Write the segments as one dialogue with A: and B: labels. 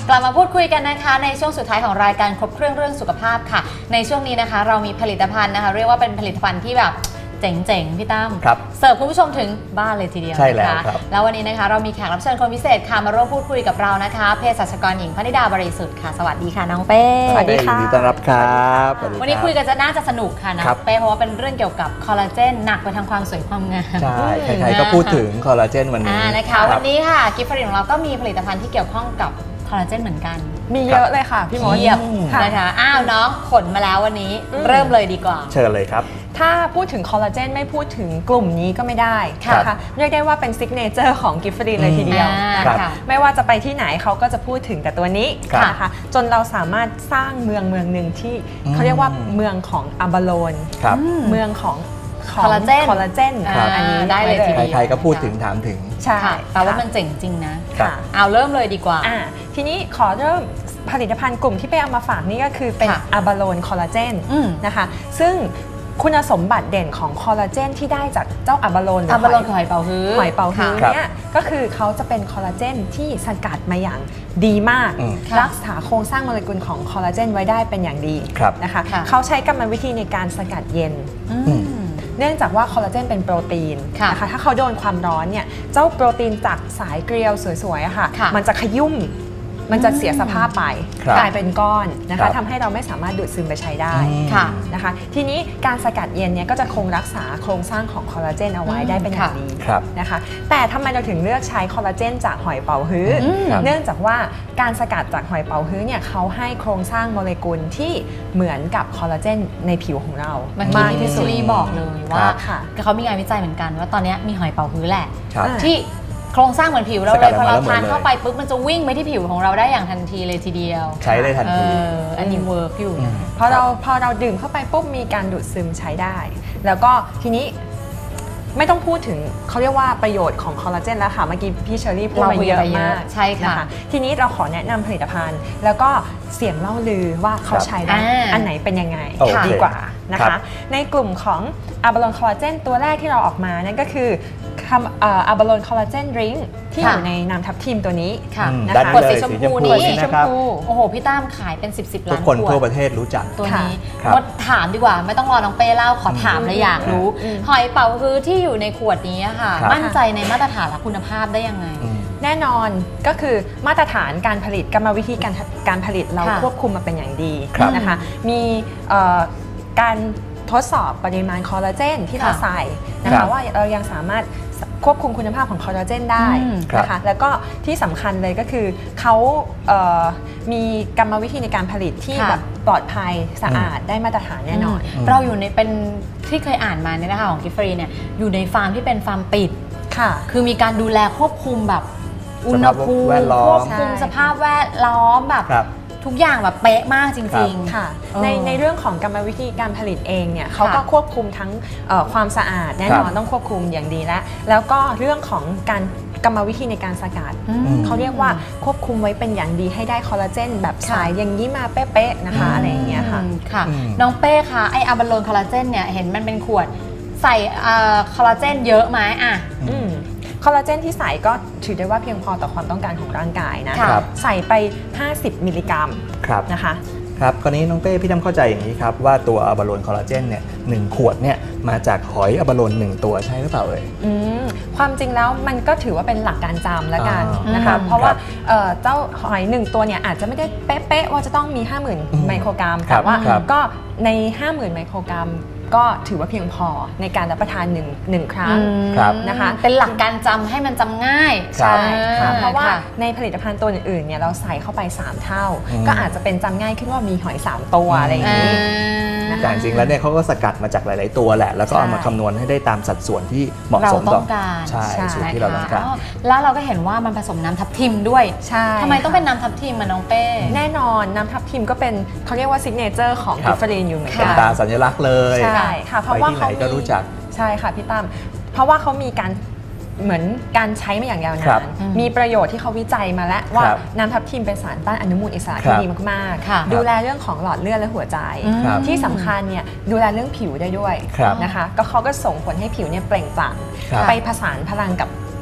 A: กลับมาพูดคุยกันนะคะในช่วงสุดท้ายของรายการครบเครื่องเรื่องสุขภาพค่ะในช่วงนี้นะคะเรามีผลิตภัณฑ์นะคะเรียกว่าเป็นผลิตภัณฑ์ที่แบบเจ๋งๆพี่ตั้มเสิร์ฟคุณผู้ชมถึงบ้านเลยทีเดียว
B: ใช่แล้ว
A: นะคะ
B: ครับ
A: แล้ววันนี้นะคะเรามีแขกรับเชิญคนพิเศษค่ะมาร่วมพูดคุยกับเรานะคะเภสัชกรหญิงพนิดาบริสุทธิ์ค่ะสวัสดีค่ะน้องเป้
B: สวัสดีค่ะยินดีต้อนรับครับสวัสดีครับ
A: วันนี้คุยกันจะน่าจะสนุกค่ะน้องเป้เพราะว่าเป็นเรื่องเกี่ยวกับคอลลาเจนหนักไปทางความสวยความงาม
B: ใช่ใครๆก็พูดถึงคอลลาเจนวันนี้
A: นะคะวันนี้ค่ะกิฟต์ฟรีของเราก็มีผลิตภัณฑ์ที่เกี่ยวข้องกับคอลลาเจนเหมือนกัน
C: มีเยอะเลยค่ะพี่มด
A: เยียบนะคะอ้าวน้องขนมาแล้ววันนี้เริ่มเลยดีกว่า
B: เชิญเลยครับ
C: ถ้าพูดถึงคอลลาเจนไม่พูดถึงกลุ่มนี้ก็ไม่ได้นะคะเรียกได้ว่าเป็นซิกเนเจอร์ของกิฟต์ฟรีเลยทีเดียวนะคะไม่ว่าจะไปที่ไหนเขาก็จะพูดถึงแต่ตัวนี้นะคะจนเราสามารถสร้างเมืองหนึ่งที่เขาเรียกว่าเมืองของอะบาโลนเมืองของ
A: คอลลาเจน
C: อันนี้
A: ได้เลยทีเดียว
B: ใครๆก็พูดถึงถามถึง
C: ใช่
A: แต่ว่ามันเจ๋งจริงนะเอาเริ่มเลยดีกว่า
C: ทีนี้ขอเริ่มผลิตภัณฑ์กลุ่มที่ไปเอามาฝากนี่ก็คือเป็นอะบาโลนคอลลาเจนนะคะซึ่งคุณสมบัติเด่นของคอลลาเจนที่ได้จากเจ้าอะบาโลน
A: คือหอยเป๋าฮื้อ
C: เนี่ยก็คือเขาจะเป็นคอลลาเจนที่สกัดมาอย่างดีมากรักษาโครงสร้างโมเลกุลของคอลลาเจนไว้ได้เป็นอย่างดีนะคะเขาใช้กรรมวิธีในการสกัดเย็นเนื่องจากว่าคอลลาเจนเป็นโปรตีนนะคะถ้าเขาโดนความร้อนเนี่ยเจ้าโปรตีนจากสายเกลียวสวยๆค่ะมันจะขยุ่มมันจะเสียสภาพไปกลายเป็นก้อนนะคะทำให้เราไม่สามารถดูดซึมไปใช้ได้นะคะทีนี้การสกัดเย็นเนี่ยก็จะคงรักษาโครงสร้างของคอลลาเจนเอาไว้ได้เป็นอย่างดีนะคะแต่ทำไมเราถึงเลือกใช้คอลลาเจนจากหอยเป๋าฮื้อเนื่องจากว่าการสกัดจากหอยเป๋าฮื้อเนี่ยเขาให้โครงสร้างโมเลกุลที่เหมือนกับคอลลาเจนในผิวของเรา
A: มากที่สุดบอกเลยว่าเขามีงานวิจัยเหมือนกันว่าตอนนี้มีหอยเป๋าฮื้อแหละที่โครงสร้างเหมือนผิวเราเลยพอเราทานเข้าไปปุ๊บมันจะวิ่งไปที่ผิวของเราได้อย่างทันทีเลยทีเดียว
B: ใช้ได้ทันที
A: อันนี้เวิร์กอยู่
C: พอเราดื่มเข้าไปปุ๊บมีการดูดซึมใช้ได้ แล้วก็ทีนี้ไม่ต้องพูดถึงเขาเรียกว่าประโยชน์ของคอลลาเจนแล้วค่ะเมื่อกี้พี่เชอรี่พูดมาเยอะมาก
A: ใช่ค่ะ
C: ทีนี้เราขอแนะนำผลิตภัณฑ์แล้วก็เสียงเล่าลือว่าเขาใช้ได้อันไหนเป็นยังไงดีกว่านะคะในกลุ่มของอะบาโลนคอลลาเจนตัวแรกที่เราออกมานั่นก็คืออะบาโลนคอลลาเจนดริงก์ที่อยู่ในน้ำทับทิมตัวนี้
A: นะคะขวดสีชมพูนี้โอ้โหพี่ตั้มขายเป็น10 ล้านขวด
B: ทุกคนทั่วประเทศรู้จัก
A: ตัวนี้มาถามดีกว่าไม่ต้องรอน้องเป้เล่าขอถามเลยอยากรู้หอยเป๋าฮื้อที่อยู่ในขวดนี้ค่ะมั่นใจในมาตรฐานและคุณภาพได้ยังไง
C: แน่นอนก็คือมาตรฐานการผลิตกรรมวิธีการผลิตเราควบคุมมาเป็นอย่างดีนะคะมีการทดสอบปริมาณคอลลาเจนที่เราใส่นะคะว่าเรายังสามารถควบคุมคุณภาพของคอลลาเจนได้นะคะแล้วก็ที่สำคัญเลยก็คือเขามีกรรมวิธีในการผลิตที่แบบปลอดภัยสะอาดได้มาตรฐานแน่นอน
A: เราอยู่ในเป็นที่เคยอ่านมาเนี่ยนะคะของกิฟฟรีเนี่ยอยู่ในฟาร์มที่เป็นฟาร์มปิดคือมีการดูแลควบคุมแบบอุณหภูมิควบคุมสภาพแวดล้อมแบบทุกอย่างแบบเป๊ะมากจริง
C: ๆค่ะในเรื่องของกรรมวิธีการผลิตเองเนี่ยเขาก็ควบคุมทั้งความสะอาดแน่นอนต้องควบคุมอย่างดีแล้วก็เรื่องของการกรรมวิธีในการสกัดเขาเรียกว่าควบคุมไว้เป็นอย่างดีให้ได้คอลลาเจนแบบสายอย่างนี้มาเป๊ะๆนะคะอะไรอย่างเงี้ย
A: ค่ะน้องเป้คะไออะบาโลนคอลลาเจนเนี่ยเห็นมันเป็นขวดใส่คอลลาเจนเยอะไหม
C: คอลลาเจนที่ใส่ก็ถือได้ว่าเพียงพอต่อความต้องการของร่างกายนะใส่ไป50 มิลลิกรัมนะคะ
B: ครับคราวนี้น้องเป้พี่ทำเข้าใจอย่างนี้ครับว่าตัวอะบาโลนคอลลาเจนเนี่ย1 ขวดเนี่ยมาจากหอยอะบาโลน1 ตัวใช่หรือเปล่า
C: ความจริงแล้วมันก็ถือว่าเป็นหลักการจำแล้วกันนะคะเพราะว่าเจ้าหอย1 ตัวเนี่ยอาจจะไม่ได้เป๊ะๆว่าจะต้องมี 50,000 ไมโครกรัมแต่ว่าก็ใน 50,000 ไมโครกรัมก็ถือว่าเพียงพอในการรับประทานหนึ่งครั้งนะคะ
A: เป็นหลักการจำให้มันจำง่าย
C: ใช่ค่ะเพราะว่าในผลิตภัณฑ์ตัวอื่นๆเนี่ยเราใส่เข้าไป3 เท่าก็อาจจะเป็นจำง่ายขึ้นว่ามีหอย3 ตัวอะไรอย่างนี้
B: แต่จริงๆแล้วเนี่ยเขาก็สกัดมาจากหลายๆตัวแหละแล้วก็เอามาคำนวณให้ได้ตามสัดส่วนที่เหมาะสมต่อใช่ส่วนที่เราต้องการ
A: แล้วเราก็เห็นว่ามันผสมน้ำทับทิมด้วยทำไมต้องเป็นน้ำทับทิมน้องเป้
C: แน่นอนน้ำทับทิมก็เป็นเขาเรียกว่าซิกเนเจอร์ของกิฟฟรีนอยู่เหมือนกัน
B: เป็นตาสัญลักษณ์เลย
C: ใช่ค่ะเพราะว่าเขา
B: ก็รู้จัก
C: ใช่ค่ะพี่ตั้มเพราะว่าเขามีการเหมือนการใช้มาอย่างยาวนานมีประโยชน์ที่เขาวิจัยมาแล้วว่าน้ำทับทิมเป็นสารต้านอนุมูลอิสระที่ดีมากๆดูแลเรื่องของหลอดเลือดและหัวใจที่สำคัญเนี่ยดูแลเรื่องผิวได้ด้วยนะคะก็เขาก็ส่งผลให้ผิวเนี่ยเปล่งปลั่งไปผสานพลังกับ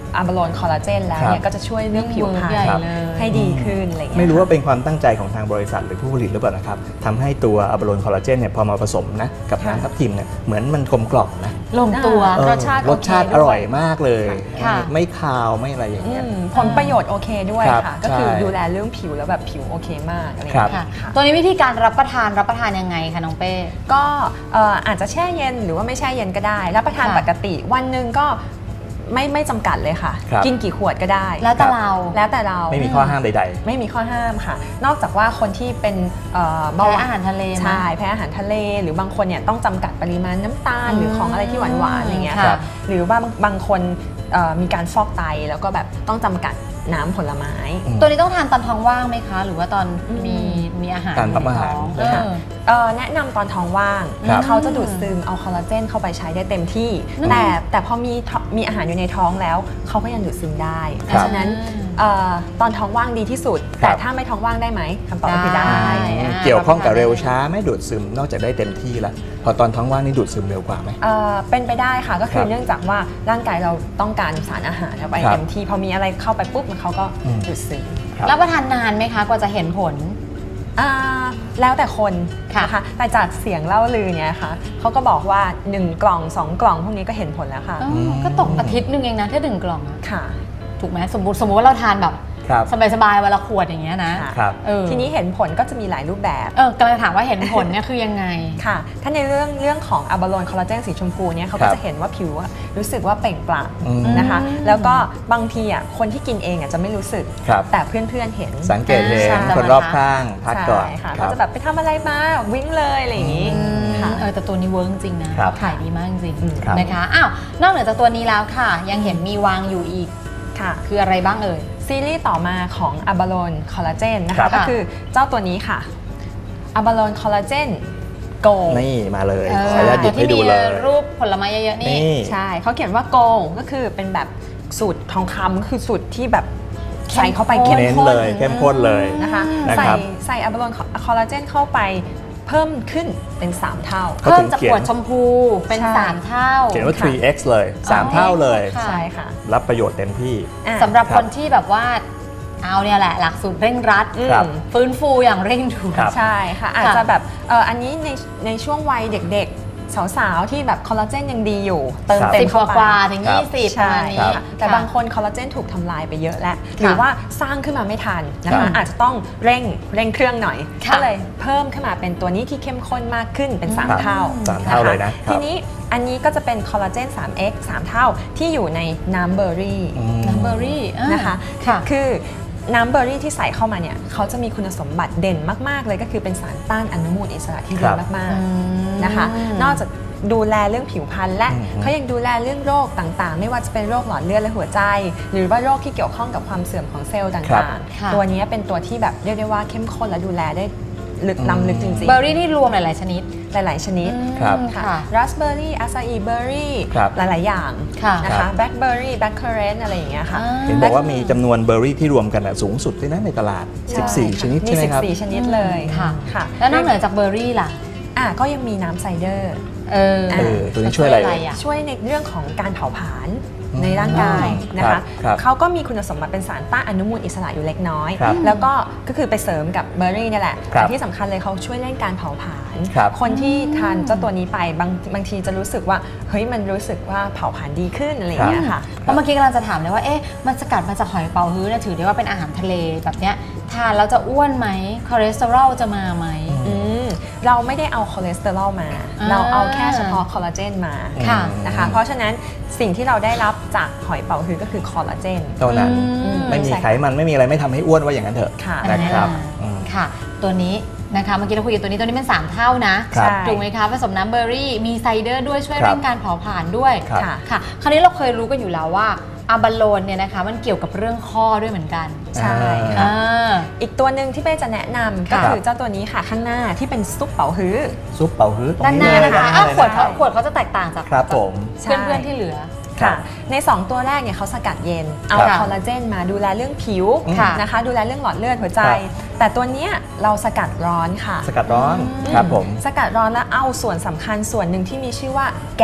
C: อะบาโลนคอลลาเจนแล้วเนี่ยก็จะช่วยเรื่องผิวพรรณ
A: ใหญ่เลย
C: ให้ดีขึ้นอะไรอย่างเงี้ย
B: ไม่รู้ว่าเป็นความตั้งใจของทางบริษัทหรือผู้ผลิตหรือเปล่านะครับทำให้ตัวอะบาโลนคอลลาเจนเนี่ยพอมาผสมนะกับน้ำทับทิมเนี่ยเหมือนมันกลมกล่อมนะ
A: ลงตัว
B: เออ
C: รสชาติ
B: รสชาติ
C: โอเคด้วย
B: อร่อยมากเลย
A: ค่ะ
B: ไม่คาวไม่อะไรอย่างเงี้ย
C: ผลประโยชน์โอเคด้วย
B: ครับ
C: ค่ะ ก็คือ
B: ใช่
C: ดูแลเรื่องผิวแล้วแบบผิวโอเคมากอะไรอย่าง
B: ครั
C: เงี้
B: บ
C: ย
A: ค่ะ
C: ค่ะ
A: ตัวนี้วิธีการรับประทานยังไงคะน้องเป้
C: ก็อาจจะแช่เย็นหรือว่าไม่แช่เย็นก็ได้รับประทาน
A: ค่ะ
C: ปกติวันหนึ่งก็ไม่จำกัดเลยค่ะ
B: ครับ
C: กินกี่ขวดก็ได้
A: แล้วแต่เรา
C: แล้วแต่เรา
B: ไม่มีข้อห้ามใด
C: ไม่มีข้อห้ามค่ะ นอกจากว่าคนที่เป็นเบาหวาน
A: แพ้อาหารทะเลไหม
C: ใช่แพ้อาหารทะเล หรือบางคนเนี่ยต้องจำกัดปริมาณน้ำตาล
A: อืม
C: หรือของอะไรที่หวานๆอย่างเงี้ย
A: ค่ะ
C: ค่ะหรือว่าบางคนมีการฟอกไตแล้วก็แบบต้องจำกัดน้ำผลไม้
B: อืม
A: ตัวนี้ต้องทานตอนท้องว่างไหมคะ หรือว่าตอนมีอาหาร
B: การรับอาหาร
A: ในท้อง
C: แนะนำตอนท้องว่าง
B: ครับ
C: เขาจะดูดซึมเอาคอลลาเจนเข้าไปใช้ได้เต็มที่
A: อืม
C: แต่พอมีอาหารอยู่ในท้องแล้วเขาก็ยังดูดซึมได้
B: ครับ
C: เพราะฉะนั้นตอนท้องว่างดีที่สุด
B: ครั
C: แต่
B: บ
C: ถ้าไม่ท้องว่างได้ไหมคำตอบก็คือได้
A: ได้
B: เกี่ยวข้องกับเร็วช้าไม่ดูดซึมนอกจากได้เต็มที่แล้วพอตอนท้องว่างนี่ดูดซึมเร็วกว่าไหม
C: เป็นไปได้ค่ะก็คื
B: ค
C: อ
B: รับ
C: เนื่องจากว่าร่างกายเราต้องการสารอาหารเข้าไป
B: ครับ
C: เต็มที่พอมีอะไรเข้าไปปุ๊บมันเขาก็
B: อืม
C: ดูดซึม
B: ครับ
A: รับประทานนานไหมคะกว่าจะเห็นผล
C: แล้วแต่คน
A: ค่ะ
C: นะคะแต่จากเสียงเล่าลือเนี่ยค่ะเขาก็บอกว่า 1 กล่อง 2 กล่องพวกนี้ก็เห็นผลแล้วค่ะ
A: ก็ตกอาทิตย์หนึงเองนะถ้า1 กล่องอะ
C: ค่ะ
A: ถูกไหมสมมติว่าเราทานแบบ
B: ครับ
A: สบายๆวันละขวดอย่างเงี้ยนะ
C: ค่ะ
B: ครับ
A: ที
C: ที
A: นี้
C: นี้เห็นผลก็จะมีหลายรูปแบบ
A: กำลังถามว่าเห็นผลเนี่ยคือยังไง
C: ค่ะ ถ้าในเรื่องของอะบาโลนคอลลาเจนสีชมพูเนี่ยเขา
B: ครั
C: ก็
B: บ
C: จะเห็นว่าผิวอะรู้สึกว่าเปล่งปลั่ง
B: อืม
C: นะคะ
A: อืม
C: แล้วก็บางทีอ่ะคนที่กินเองอ่ะจะไม่รู้สึก
B: ครับ
C: แต่เพื่อนๆเห็น
B: สังเกตเห็น
C: ใช่
B: คนรอบข้างพักก่อน
C: ใช่ค่ะ
B: ครั
C: ก็
B: บ
C: จะแบบไปทำอะไรมาวิ่งเลยอะไรอย่างนี้ ค่ะ
A: แต่ตัวนี้เวิร์กจริงนะครับ ขายดีมากจริง
B: ครับ
A: นะคะอ้าวนอกเหนือจากตัวนี้แล้วค่ะ ยังเห็นมีวางอยู่อีก
C: ค่ะ
A: คืออะไรบ้างเอ่ย
C: ซีรีส์ต่อมาของอะบาโลนคอลลาเจนนะ
B: ครั
C: คะ
B: บ
C: ก็คือเจ้าตัวนี้ค่ะอะบาโลนคอลลาเจนโก
B: นี่มาเลย
A: เออ
B: ขออนุญาตหยิบให้ดูเลย
A: ตัวที่มีรูปผลไม้เยอะๆนี่
B: นี่
C: ใช่เขาเขียนว่าโกก็คือเป็นแบบสูตรทองคำคือสูตรที่แบบใส่เข้าไปเข้ม
B: เน้น
C: ข้น
B: เลยเข้มข้นเลย
C: นะคะ
B: นะครับ
C: ใส่อะบาโลนคอลลาเจนเข้าไปเพิ่มขึ้นเป็น 3 เท่า
B: เขา
A: เพิ่
B: ถึ
A: ม
B: ง
A: จาก
B: เขีย
A: ข
B: น
A: วดชมพูเป็น
C: ใช่
A: 3 เท่า
B: เขียนว่า
C: ค่ะ
B: 3x เลย 3 เท่าเลย
A: ค่ะ
C: ใช่ค่ะ
B: รับประโยชน์เต็มที่
C: อ่ะ
A: สำหรับ
B: ครับ
A: คนที่แบบว่าเอาเนี่ยแหละหลักสูตรเร่งรัด
B: ครับ
A: ฟื้นฟูอย่างเร่งด่วน
B: ครับ
C: ใช่ค่ะอาจจะแบบอันนี้ในช่วงวัยเด็กๆ สาวๆ ที่แบบคอลลาเจนยังดีอยู่ เติม
B: ครับ
C: เต็ม
A: 10
C: เข้าไป
A: กว่าๆถึง
B: ครับ
A: 20ประ
C: ใช่
A: มาณนี้
C: ค่ะแต่บางคนคอลลาเจนถูกทำลายไปเยอะแล้ว
A: ค่ะ
C: หรือว่าสร้างขึ้นมาไม่ทันนะ
B: ครั
C: คะ
B: บ
C: อาจจะต้องเร่งเครื่องหน่อย
A: ค่ะ
C: ก็เลยเพิ่มขึ้นมาเป็นตัวนี้ที่เข้มข้นมากขึ้นเป็น
B: ครับ
C: 3 เท่า
B: 3 เท่าเลยนะ
C: ทีนี้อันนี้ก็จะเป็นคอลลาเจน 3x 3 เท่าที่อยู่ในน้ำเบอร์รี่
B: อืม
A: น้ำเบอร์รี่
C: นะคะ
A: ค่ะ
C: คือน้ำเบอร์รี่ที่ใส่เข้ามาเนี่ยเขาจะมีคุณสมบัติเด่นมากๆเลยก็คือเป็นสารต้านอนุมูลอิสระที่ดี
B: ครับ
C: มากๆนะคะ นอกจากดูแลเรื่องผิวพรรณและ
B: อืม
C: เขายังดูแลเรื่องโรคต่างๆ ไม่ว่าจะเป็นโรคหลอดเลือดและหัวใจ หรือว่าโรคที่เกี่ยวข้องกับความเสื่อมของเซลล์
B: ครับ
C: ต่าง
A: ค่ะ
C: ๆ ตัวนี้เป็นตัวที่แบบเรียกได้ว่าเข้มข้นและดูแลได้ลึกล้ำลึกจริง
A: เบอร์รี่นี่รวมหลายๆชนิด
C: ๆ หลายๆชนิด
B: ครับ
C: ค่ะราสเบอร์รี่อาซาอีเบอร์รี่
B: ครับ
C: หลายๆอย่าง
A: ค่ะ
C: นะ
B: ครั
C: คะ
B: บ
C: แบล็คเบอร์รี่แบล็คเคอร์เรนต์อะไรอย่างเงี้ยค่ะ
B: เห็นบอกว่ามีจำนวนเบอร์รี่ที่รวมกันสูงสุดด้วยนะในตลาด
C: ใช่
B: 14 ชนิดใช่ไหมครับ
C: 14 ชนิดเลย
A: ค่ะ
C: ค่ะ
A: แล้วนอกเหนือจากเบอร์รี่ล่ะ
C: ก็ยังมีน้ำไซเดอร์
B: ตัวนี้ช่วยอะไร
A: อ่ะ
C: ช่วยในเรื่องของการเผาผลาญ
B: อืม
C: ในร่างกายนะ
B: ครั
C: คะ
B: บครับ
C: เขาก็มีคุณสมบัติเป็นสารต้านอนุมูลอิสระอยู่เล็กน้อย
B: ครับ
C: แล้วก็คือไปเสริมกับเบอร์รี่นี่แหละ
B: ครับ
C: แต่ที่สำคัญเลยเขาช่วยเร่งการเผาผลาญ
B: ครับ
C: คนที่ทานเจ้าตัวนี้ไปบางทีจะรู้สึกว่าเฮ้ยมันรู้สึกว่าเผาผลาญดีขึ้นอะไรอย่างเงี้ยค่ะ
A: เพราะเมื่อกี้กำลังจะถามเลยว่า มันสกัดมาจากหอยเป๋าฮื้อเนี่ยถือได้ว่าเป็นอาหารทะเลแบบเนี้ยทานแล้วจะอ้วนไหมคอเลสเตอรอลจะมาไหม
C: เราไม่ได้เอาคอเลสเตอรอลมา เราเอาแค่เฉพาะคอลลาเจนมา
A: ค่ะ
C: นะคะ เพราะฉะนั้นสิ่งที่เราได้รับจากหอยเป๋าฮื้อก็คือคอลลาเจน
B: เท่านั้น
A: อืม
B: ไม่มี
C: ใช่
B: ไขมันไม่มีอะไรไม่ทำให้อ้วนว่าอย่างนั้นเถอะ
C: ค่ะ
B: นะครับอืม
A: ค่ะ ตัวนี้นะคะเมื่อกี้เราคุยกันตัวนี้เป็น 3 เท่านะครับ ถูกไหมคะผสมน้ำเบอร์รี่มีไซเดอร์ด้วยช่วย
B: ครับ
A: เร่งการเผาผลาญด้วย
B: ครับ
A: ค่ะคราวนี้เราเคยรู้กันอยู่แล้วว่าอะบาโลนเนี่ยนะคะมันเกี่ยวกับเรื่องข้อด้วยเหมือนกัน
C: ใช่ค่ะ
A: อ่า
C: อีกตัวหนึ่งที่เป้จะแนะนำก็
B: ครับ
C: คือเจ้าตัวนี้ค่ะข้างหน้าที่เป็นซุปเป๋าฮื้อ
B: ซุปเป่าฮื้อตรง
A: ด้านห
B: นี้
A: น้า
B: เลย
A: นะคะ
B: ด้านห
A: อ้าว
B: น้า
A: ขวด
B: เลย
A: เขา
B: นะ
A: ขวดเขาจะแตกต่างจาก
B: ครับผม
A: เพื่อนๆที่เหลือ
C: ค่ะใน 2 ตัวแรกเนี่ยเขาสกัดเย็นเอา
B: ครับ
C: คอลลาเจนมาดูแลเรื่องผิว
A: ค่ะ
C: นะคะดูแลเรื่องหลอดเลือดหัวใจ
B: ครับ
C: แต่ตัวเนี้ยเราสกัดร้อนค่ะ
B: สกัดร้อนครับผม
C: สกัดร้อนแล้วเอาส่วนสำคัญส่วนหนึ่งที่มีชื่อว่าแกก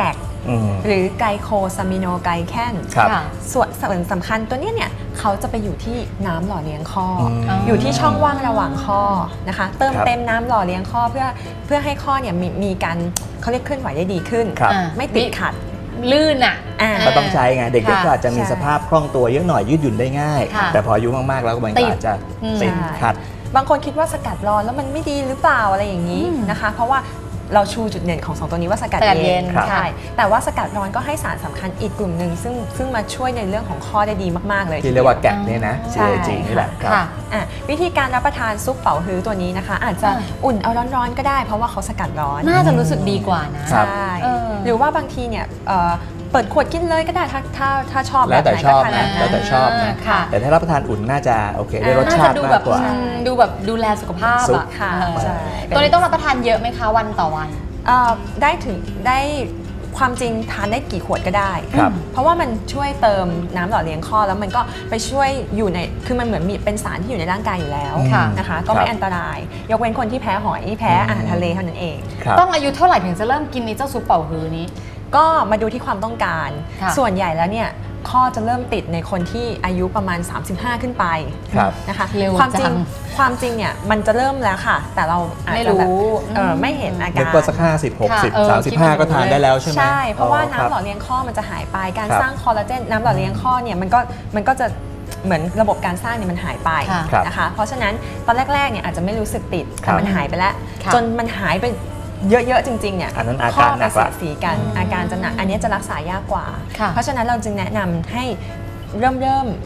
C: หรือไกลโคซามิโนไกลแคน ส่วนสำคัญตัวนี้เนี่ยเขาจะไปอยู่ที่น้ำหล่อเลี้ยงข้ออยู่ที่ช่องว่างระหว่างข้อนะคะเติมเต็มน้ำหล่อเลี้ยงข้อเพื่อให้ข้อเนี่ยมีการเขาเรียกเคลื่อนไหวได้ดีขึ้นไม่ติดขัด
A: ลื่น
B: ก็ต้องใช้ไงเด็กๆก็อาจจะมีสภาพคล่องตัวเยอะหน่อยยืดหยุ่นได้ง่ายแต่พออายุมากๆแล้วมันอาจจะติดขัด
C: บางคนคิดว่าสกัดร้อนแล้วมันไม่ดีหรือเปล่าอะไรอย่างนี้นะคะเพราะว่าเราชูจุดเด่นของ2ตัวนี้ว่าสกัดเย็นใช่แต่ว่าสกัดร้อนก็ให้สารสำคัญอีกกลุ่มหนึ่งซึ่งมาช่วยในเรื่องของข้อได้ดีมากๆเลย
B: ที่เรียกว่าแกะเนี่ยนะจริงนี่แหละครับ
C: วิธีการรับประทานซุปเป๋าฮื้อตัวนี้นะคะอาจจะอุ่นเอาร้อนๆก็ได้เพราะว่าเขาสกัดร้อน
A: น่าจะรู้สึกดีกว่านะ
C: ใช่หรือว่าบางทีเนี่ยเปิดขวดกินเลยก็ได้ถ้าชอบ
B: แล้วแต่ชอบนะแล้วแต่ชอบนะแต่ถ้ารับประทานอุ่นน่าจะโอเคได้รสชาติมากกว่า
A: ดูแบบดูแลสุขภาพอะ
C: ค่ะ
A: ตัวนี้ต้องรับประทานเยอะไหมคะวันต่อวัน
C: ได้ความจริงทานได้กี่ขวดก็ได้เพราะว่ามันช่วยเติมน้ำหล่อเลี้ยงข้อแล้วมันก็ไปช่วยอยู่ในคือมันเหมือนมีเป็นสารที่อยู่ในร่างกายอยู่แล้วนะคะก็ไม่อันตรายยกเว้นคนที่แพ้หอยแพ้อาหารทะเลเท่านั้นเอง
A: ต้องอายุเท่าไหร่ถึงจะเริ่มกินเจ้าซุปเป่าฮื้อนี้
C: ก็มาดูที่ความต้องการส่วนใหญ่แล้วเนี่ยข้อจะเริ่มติดในคนที่อายุประมาณ35ขึ้นไปนะคะความจริงเนี่ยมันจะเริ่มแล้วค่ะแต่เราอาจจะแบบไม่เห็นอาการ
B: นึกว่าสัก50-60-35ก็ทานได้แล้วใช่ไหม
C: ใช่เพราะว่าน้ำหล่อเลี้ยงข้อมันจะหายไปการสร้างคอลลาเจนน้ำหล่อเลี้ยงข้อเนี่ยมันก็จะเหมือนระบบการสร้างเนี่ยมันหายไปนะคะเพราะฉะนั้นตอนแรกๆเนี่ยอาจจะไม่รู้สึกติดแต่มันหายไปแล้วจนมันหายไปเยอะๆจริงๆเนี่ย
B: ข้อ
C: จะเสียสีกันอาการจะหนักอันนี้จะรักษายากกว่าเพราะฉะนั้นเราจึงแนะนำให้เริ่ม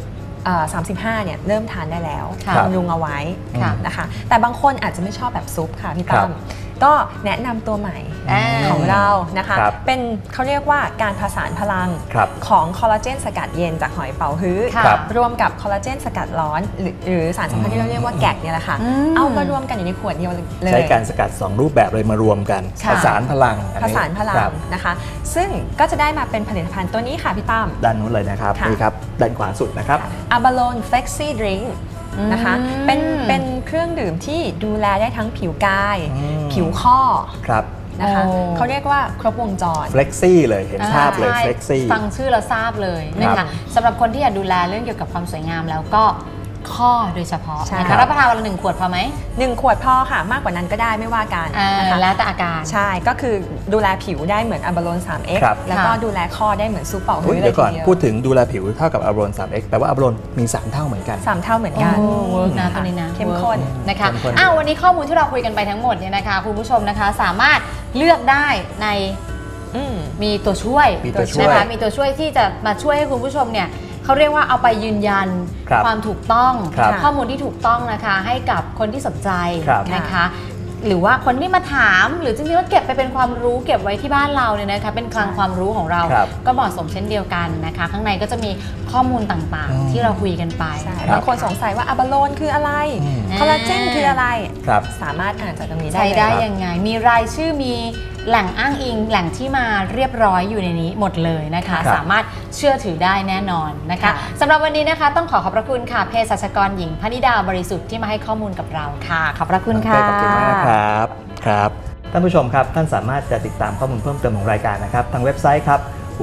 C: 35เนี่ยเริ่มทานได้แล้วบำรุงเอาไว้นะคะแต่บางคนอาจจะไม่ชอบแบบซุปค่ะพี่ตั้มก็แนะนำตัวใหม่ของเรานะคะเป็นเขาเรียกว่าการผสานพลังของคอลลาเจนสกัดเย็นจากหอยเป๋าฮื้อรวมกับคอลลาเจนสกัดร้อนหรือสารสำคัญที่เราเรียกว่าแกกเนี่ยแหละค่ะเอามารวมกันอยู่ในขวดเดียวเลย
B: ใช้การสกัด2รูปแบบเลยมารวมกันผสานพลัง
C: นะคะซึ่งก็จะได้มาเป็นผลิตภัณฑ์ตัวนี้ค่ะพี่ตั้ม
B: ด้านนู้นเลยนะครับนี่ครับด้านขวาสุดนะครับ
C: Abalone Flexi Drinkนะคะเป็นเครื่องดื่มที่ดูแลได้ทั้งผิวกายผิวข้อนะคะเขาเรียกว่าครบวงจร
B: Flexi เลยเห็นภาพเลย Flexi
A: ฟังชื่อแล้วทราบเลยนะคะสำหรับคนที่อยากดูแลเรื่องเกี่ยวกับความสวยงามแล้วก็ข้อโดยเฉพาะนะคะรับประทานวันละ1 ขวดพอไหม
C: 1 ขวดพอค่ะมากกว่านั้นก็ได้ไม่ว่ากัน
A: นะคะแล้วแต่อาการ
C: ใช่ก็คือดูแลผิวได้เหมือน Abalone 3X แล้วก็ดูแลข้อได้เหมือนซุปเป๋าฮื้อเลยทีเดียว
B: ก่อนพูดถึงดูแลผิวเท่ากับ Abalone 3X แต่ว่า Abalone มี3 เท่าเหมือนกัน
C: 3 เท่าเหมือนกัน
A: เวิร์กนะตัวนี้นะเข้มข้นนะคะวันนี้ข้อมูลที่เราคุยกันไปทั้งหมดเนี่ยนะคะคุณผู้ชมนะคะสามารถเลือกได้ในมีตัวช่วยนะคะมีตัวช่วยที่จะมาช่วยให้คุณผู้ชมเนี่ยเขาเรียกว่าเอาไปยืนยันความถูกต้องข้อมูลที่ถูกต้องนะคะให้กับคนที่สนใจนะคะหรือว่าคนที่มาถามหรือจริงๆแล้วเก็บไปเป็นความรู้เก็บไว้ที่บ้านเราเนี่ยนะคะเป็นคลังความรู้ของเราก็เหมาะสมเช่นเดียวกันนะคะข้างในก็จะมีข้อมูลต่างๆที่เราคุยกันไป
C: บางคนสงสัยว่าAbaloneคืออะไรคอลลาเจนคืออะไรสามารถอ่านจากตรงนี้ได้
A: ใช้ได้ยังไงมีรายชื่อมีแหล่งอ้างอิงแหล่งที่มาเรียบร้อยอยู่ในนี้หมดเลยนะคะสามารถเชื่อถือได้แน่นอนนะคะสำหรับวันนี้นะคะต้องขอบพระคุณค่ะเภสัชกรหญิงพนิดาบริสุทธิ์ที่มาให้ข้อมูลกับเราค่ะขอบพระคุณค่ะ
B: ขอบคุณมากครับท่านผู้ชมครับท่านสามารถจะติดตามข้อมูลเพิ่มเติมของรายการนะครับทางเว็บไซต์ครับ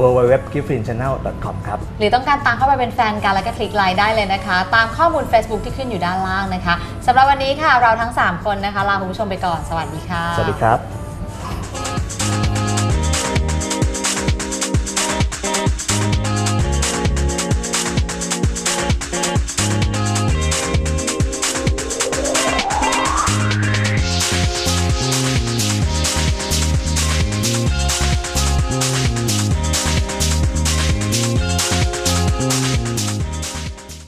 B: www.giftfrinchannel.com ครับ
A: หรือต้องการตามเข้าไปเป็นแฟนกันแล้วก็คลิกไลค์ได้เลยนะคะตามข้อมูล Facebook ที่ขึ้นอยู่ด้านล่างนะคะสำหรับวันนี้ค่ะเราทั้ง3คนนะคะลาคุณผู้ชมไปก่อนสวัสดีค่ะ
B: สวัสดีครับ